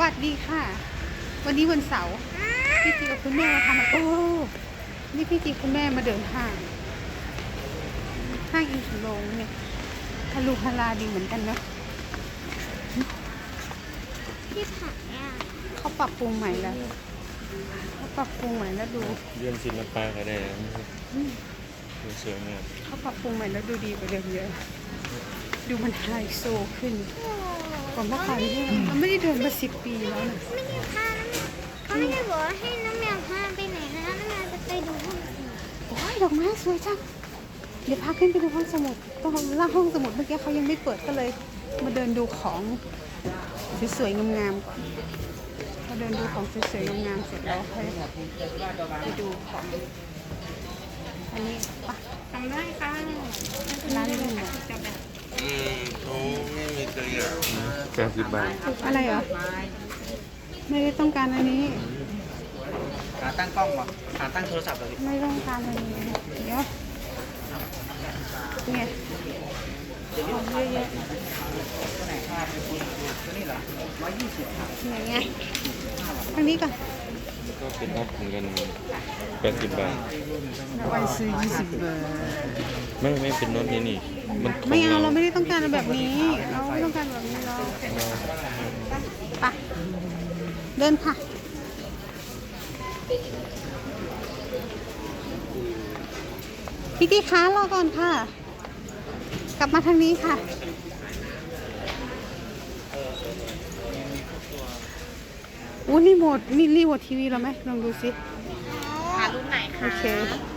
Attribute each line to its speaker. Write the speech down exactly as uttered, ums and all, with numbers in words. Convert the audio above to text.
Speaker 1: วัสดีค่ะ วันนี้วันเสาร์พี่จีกับคุณแม่มาทำอะไรโอ้นี่พี่จีคุณแม่มาเดินห้างห้างอินทนนท์เนี่ยฮาลูฮาลาดีเหมือนกันเนาะ
Speaker 2: ที่ผักเนี่ย
Speaker 1: เขาปรับปรุงใหม่แล้วเขาปรับปรุงใหม่แล้วดู
Speaker 3: เรื่องศิลปะก็ได้นะดูสวยงาม
Speaker 1: เขาปรับปรุงใหม่แล้วดูดีกว่าเดิมเยอะดูมันไฮโซขึ้นกว่าเมื่อก่อนเนี่ยมันไม่ได้เดินมาสิบปีแล้วนะ
Speaker 2: ไม่ได้พาน้ำเขาไม่ได้บอกว่าให้น้ำแมวพาไปไหนนะน้ำแมวจะไปดูห้องสมุด
Speaker 1: โอ้ยดอกไม้สวยจังเดี๋ยวพาขึ้นไปดูห้องสมุดตรงล่างห้องสมุดเมื่อกี้เขายังไม่เปิดก็เลย มาเดินดูของสวยๆงามๆก่อนมาเดินดูของสวยๆงามๆเสร็จแล้วค่อยไปดูของอันนี้ปะ
Speaker 2: ทำได้ค่ะ
Speaker 1: ร้านนี้เหรอ
Speaker 3: อืมเขาไม่มีตัวอย่างแปดสิบบาท
Speaker 1: อะไรเหรอไม่ได้ต้องการอันนี้
Speaker 4: ขาตั้งกล้องป่ะขาตั้งโทรศัพท์เหรอพี่
Speaker 1: ไม่ต้องการอันนี้เดี๋ยวเนี่ยของเยอะแยะ
Speaker 4: ตัวไหนครับตัวนี้เหรอร้อยยี่สิบครับ
Speaker 1: ไหนไงทางนี้ก่อน
Speaker 3: ก็เป็นนัดเหมือนกันแปดสิบบาท
Speaker 1: วันซื้อยี่สิบบาท
Speaker 3: ไม่ไม่เป็นน็อตนี่นี่มันของ
Speaker 1: ไม่เอาเราไม่ได้ต้องการแบบนี้ เราไม่ต้องการแบบนี้เราไปเดินค่ะพี่ตีค้ารอก่อนค่ะ กลับมาทางนี้ค่ะอู้รีโมทมีรีโมททีวีเราไหมลองดูสิ
Speaker 2: หารุ่นไหนคะ
Speaker 1: โอเค